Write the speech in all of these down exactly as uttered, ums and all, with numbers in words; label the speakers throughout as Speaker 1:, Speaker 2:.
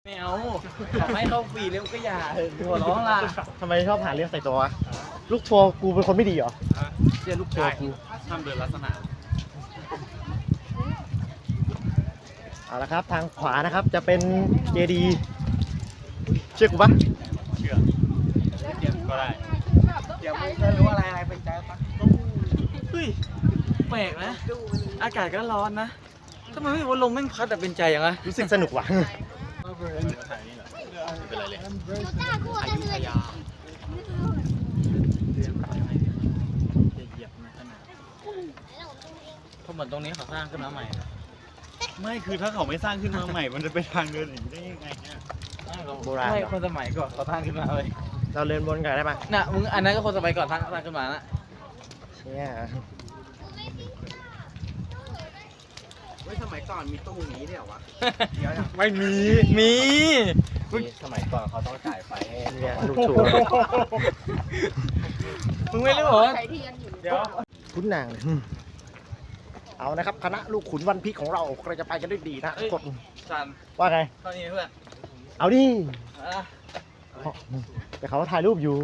Speaker 1: ไม่เอาขอให้เข้าฟรีแล้วก็อย่าเถอะหัวร้องล่ะ
Speaker 2: ทำไมชอบหาเรื่องใส่ตัววะลูกทัวร์กูเป็นคนไม่ดีเหรอ
Speaker 1: เชื่อลูกทัวร์กู
Speaker 3: ห้ามเดินลักษณะ
Speaker 2: เอาละครับทางขวานะครับจะเป็นเจดีเชื่อกูปะ
Speaker 3: เชื่อก็ได้
Speaker 1: เดี๋ยวมึงจะรู้อะไรอะไรเป็นใจปะเฮ้ยแปลกนะอากาศก็ร้อนนะทำไมไม่ว่าลมแม่งพัดแต่เป็นใจอย่างไร
Speaker 2: รู้สึกสนุกว่ะ
Speaker 3: เป็นไรเลยอายุทยาเหยียบนะขนาด
Speaker 1: เพราะเหมือนตรงนี้เขาสร้างขึ้นมาใหม่
Speaker 3: ไม่คือถ้าเขาไม่สร้างขึ้นมาใหม่มันจะเป็นทางเดินอย่างนี้ได้ยังไงเนี่ย
Speaker 2: โบราณ
Speaker 1: ไม่คนสมัยก่อนเขาสร้างขึ้นมาเลย
Speaker 2: เราเดินบนกันได้ปะ
Speaker 1: น่ะมึงอันนั้นก็คนสมัยก่อนสร้างสร้างขึ้นมานะ
Speaker 2: เนี่ย
Speaker 1: เฮ้ยสมัยก่อนมีตู้นี้ด้วยเหรอวะ
Speaker 2: ไม่มี
Speaker 1: มี
Speaker 3: สมัยก่อนเขาต้องจ่ายไฟ
Speaker 2: เนี่ยลูกทัวร์
Speaker 1: มึงไม่รู้เหรอ
Speaker 2: เดี๋ยวคุณนางเอานะครับคณะลูกขุนวันพีของเราเราจะไปกันด้วยดีนะกด
Speaker 1: สัน
Speaker 2: ว่าไง
Speaker 1: ตอนนี้เพื่อน
Speaker 2: เอาดิแต่เขาถ่ายรูปอยู่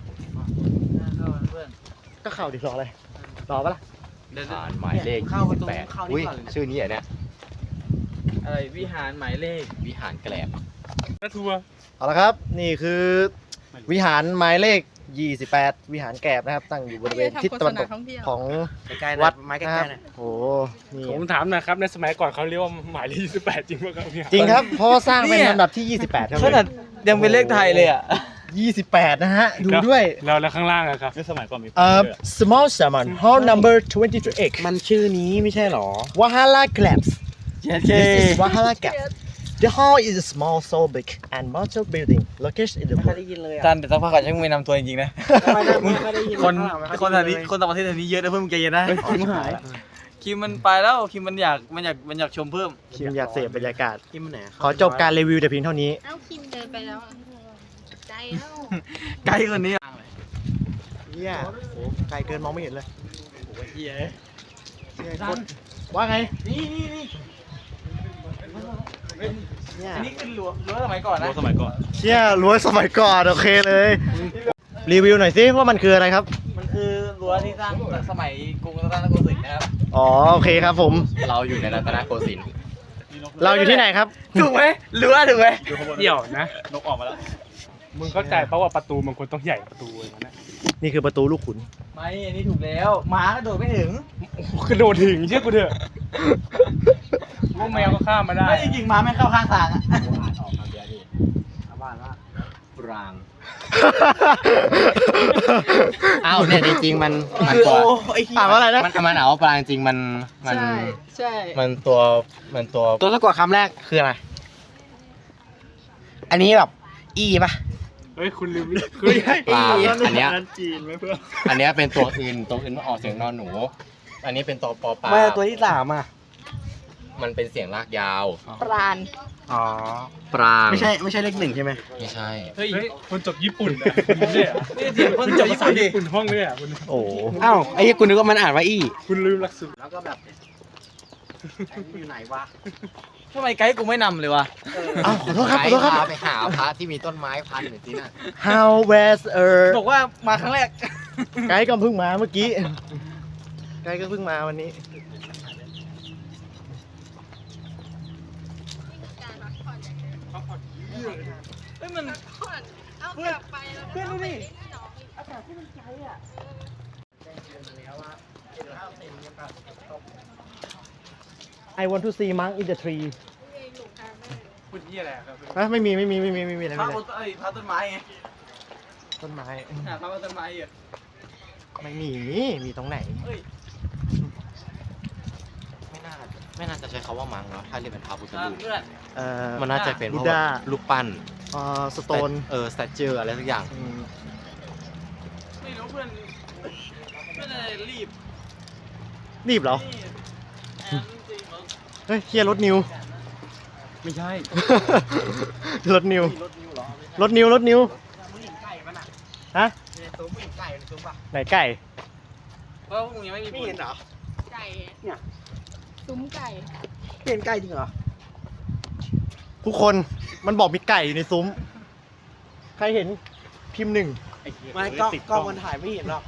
Speaker 2: ก็เข้าดิรออะไรรอปะล่ะ
Speaker 3: ผ่านหมายเลขยี่สิบแปดอุ้ยชื่อนี้อ่ะเนี่ย
Speaker 1: อะไรวิหารหมายเลข
Speaker 3: วิหารแกลบ
Speaker 2: นะทัวร์เอาละครับนี่คือวิหารหมายเลขยี่สิบแปดวิหารแกลบนะครับตั้งอยู่บริเวณทิศตะวันตกของวัดนะครับโอ้นี่
Speaker 4: ผมถามนะครับในสมัยก่อนเขาเรียกว่าหมายเลขยี่สิบแปดจริงป่ะครับ
Speaker 2: จริงครับเพราะสร้างเป็นลำดับที่ยี่สิบแปดครับ
Speaker 1: ขนาดยังเป็นเลขไทยเลยอ่ะ
Speaker 2: ยี่สิบแปดนะฮะดูด้วย
Speaker 4: แล้วแล้วข้างล่างอะครับ
Speaker 3: ในสมัยก่อนมี
Speaker 2: เอ่อ small salmon hall number twenty-two x
Speaker 1: มันชื่อนี้ไม่ใช่หรอ
Speaker 2: Wahala Crabs
Speaker 1: This
Speaker 2: is Wahala Crabs The hall is a small so big and modern building located in the
Speaker 1: ไม่ได้ยินเลยจันแต่สักพักก่อนฉันไม่นำตัวจริงๆนะคนคนทางนี้คนต่างประเทศทางนี้เยอะนะเพื่อนมึงใจเย็นนะคิมหายคิมมันไปแล้วคิมมันอยากมันอยากมันอยากชมเพิ่ม
Speaker 2: คิมอยากเสพบรรยากาศ
Speaker 1: คิมมันไหน
Speaker 2: ขอจบการรีวิวแต่เพียงเท่านี้
Speaker 5: เอ้าคิมเดินไปแล้วใจเอ้า
Speaker 1: ไกลคนนี้
Speaker 2: เฮียโอ้ไกลเกินมองไม่เห็นเลย
Speaker 1: โอ้ยเฮีย
Speaker 2: ว่าไง
Speaker 1: นี่นี่นี่อันนี้คือรั้วรั้วสมัยก่อนนะ
Speaker 3: รั้วสมัยก่อน
Speaker 2: เชี่ยรั้วสมัยก่อนโอเคเลยรีวิวหน่อยสิว่ามันคืออะไรครับ
Speaker 1: มันคือรั้วที่สร้างสมัยกรุงรัตนโกสินทร์นะครับ
Speaker 2: อ๋อโอเคครับผม
Speaker 3: เราอยู่ในรัตนโกสินทร์
Speaker 2: เราอยู่ที่ไหนครับ
Speaker 1: ถูกไหมรั้วถูกไหม
Speaker 4: เดี่ยวนะ
Speaker 3: นกออกมาแล้ว
Speaker 4: มึงเข้าใจเพราะว่าประตูมันควรต้องใหญ่ประตูอย่างนั้น
Speaker 2: นี่คือประตูลูกขุน
Speaker 1: ไม่อันนี้ถูกแล้วม้ากระโดดไม่ถึง
Speaker 4: กระโดดถึงเชื่อกูเถอะพวกแมวก็ข้ามมาได้
Speaker 1: ไม่จริงๆม้าไม่เข้าข้างทางอ่ะ
Speaker 3: ออกมาเบียร์ดิบ้านว่าปรางอ้าวเนี่ยจริงๆมันมันตัว
Speaker 2: อ่านว่าอะไรนะ
Speaker 3: มันมันเอาปรางจริงมันมัน
Speaker 5: ใช่ใช่
Speaker 3: มันตัวมันตัว
Speaker 2: ตัวสะกดคำแรกคืออะไรอันนี้แบบอีป่ะ
Speaker 4: เฮ้ยคุณลืม
Speaker 3: คือปลาอันเนี้ยจีนไหมเพื่อนอันเนี้ยเป็นตัวอื่นตัวอื่นมันออกเสียงนอนหนูอันนี้เป็นตัวปอปลา
Speaker 1: ไม่ตัวที่สามอ่ะ
Speaker 3: มันเป็นเสียงลากยาว
Speaker 5: ปราณ
Speaker 1: อ๋อ
Speaker 3: ปราง
Speaker 2: ไม่ใช่ไม่ใช่เลขหนึ่งใช่ไหม
Speaker 3: ไม่ใช่
Speaker 4: เฮ้ยคนจบญี่ปุ่นเนี่ย
Speaker 1: นี่เสียงคนจบภาษา
Speaker 4: ญี่ปุ่นห้องเนี่ยคุณ
Speaker 2: โอ้
Speaker 1: อ้าวไอ้คุณนึกว่ามันอ่านว่าอี
Speaker 4: คุณลืมหลักสูตร
Speaker 1: แล้วก็แบบอยู่ไหนวะทำไมไกด์กูไม่นำเลยวะ
Speaker 2: อ้าวขอโทษครับขอโทษครับ
Speaker 3: ไปหาพระที่มีต้นไม้พันหรือที่นั่น
Speaker 2: How was er
Speaker 1: บอกว่ามาครั้งแรก
Speaker 2: ไกด์ก็เพิ่งมาเมื่อกี้ไกด์ก็เพิ่งมาวันนี้
Speaker 1: เฮ้ยมัน
Speaker 5: เอากลับไปแล้วเพื่อนดูดิ
Speaker 1: อากาศที่มันใจอ่ะ
Speaker 2: I want to see monk in the tree
Speaker 4: พูดยี่อะไร
Speaker 2: ครับไม่มีไม่มีไม่มีไม่มีอะไร
Speaker 1: พระต้นไอ้พระต้นไม้ไง
Speaker 2: ต้นไม้
Speaker 1: หาพระต้นไม้อ่ะ
Speaker 2: ไม่มีมีตรงไหน
Speaker 3: ไม่น่าไม่น่าจะใช้คำว่ามังเนาะถ้าเรียกเป็นพระพุทธรูป
Speaker 2: เอ่อ
Speaker 3: มันน่าจะเป็นพวกรูปปั้น
Speaker 2: เอ่อสโตน
Speaker 3: เออสแตเจอร์อะไรสักอย่าง
Speaker 1: ไม่รู้เพื่อนไม่ได้รีบ
Speaker 2: รีบเหรอเฮ้ยเฮียรถนิว
Speaker 3: ไม่ใช่
Speaker 2: รถนิวรถนิวรถนิวฮะไหนไก่
Speaker 1: เพราะพวกนี้ไม่มีไม่เห็นเหรอ
Speaker 5: ไก่เนี่ยซุ้มไก่
Speaker 1: เห็นไก่จริงเหรอ
Speaker 2: ทุกคนมันบอกมีไก่อยู่ในซุ้ม ใครเห็นพิมพ์หนึ่ง
Speaker 6: ไม่กล้องกล้องมันถ่ายไม่เห็นหรอก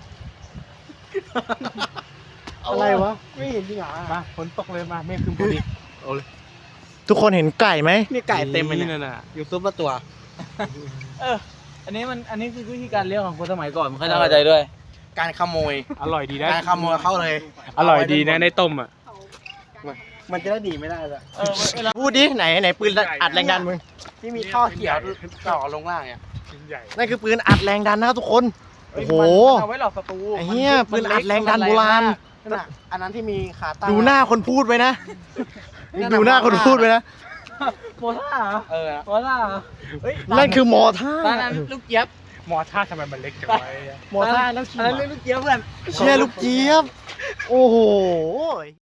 Speaker 2: อะไรวะ
Speaker 6: ไม่เห็นจริงเหรอ
Speaker 4: มาฝนตกเลยมาเมฆคืนพอดี
Speaker 2: ทุกคนเห็นไก่ไหม
Speaker 6: นี่ไก่เต็มเลยเนี่ย
Speaker 4: น่ะ
Speaker 6: อยู่ซุปละตัว
Speaker 1: เออ อันนี้มันอันนี้คือวิธีการเลี้ยงของคนสมัยก่อนมันค่อยน่าเข้าใจด้วย
Speaker 6: การขโมย
Speaker 4: อร่อยดีนะ
Speaker 6: การขโมยเข้าเลย
Speaker 4: อร่อยดีนะในต้มอ่ะ
Speaker 6: มันจะได้ดีไม่ได้เลย
Speaker 1: เออเวลา
Speaker 2: พูดดิไหนไหนปืนอัดแรงดันมึง
Speaker 6: ที่มีท่อเขียวต่อลงล่างเนี่ย
Speaker 4: ชิ้นใหญ่
Speaker 2: นั่นคือปืนอัดแรงดันนะครับทุกคน โอ้โห
Speaker 1: มันเอาไว้หลอกศัตรู
Speaker 2: ไอ้เหี้ยปืนอัดแรงดันโบราณ
Speaker 6: นั่นน่ะอันนั้นที่มีขาตั้ง
Speaker 2: ดูหน้าคนพูดไว้นะ ดูหน้าคนพูดไว้นะ
Speaker 1: โมท่าเหรอ
Speaker 6: เออ
Speaker 1: โมท่าเหรอเฮ้ย
Speaker 2: นั่นคือมอท่า
Speaker 1: ตอนนั้นลูกเจี๊ยบ
Speaker 4: มอท่าทำไมมันเล็กจังวะ
Speaker 2: มอท่าแล้วขี่
Speaker 1: อันนั้นเรียกลูกเจี๊ยบเพื่อน
Speaker 2: เชียร์ลูกเจี๊ยบ โอ้โห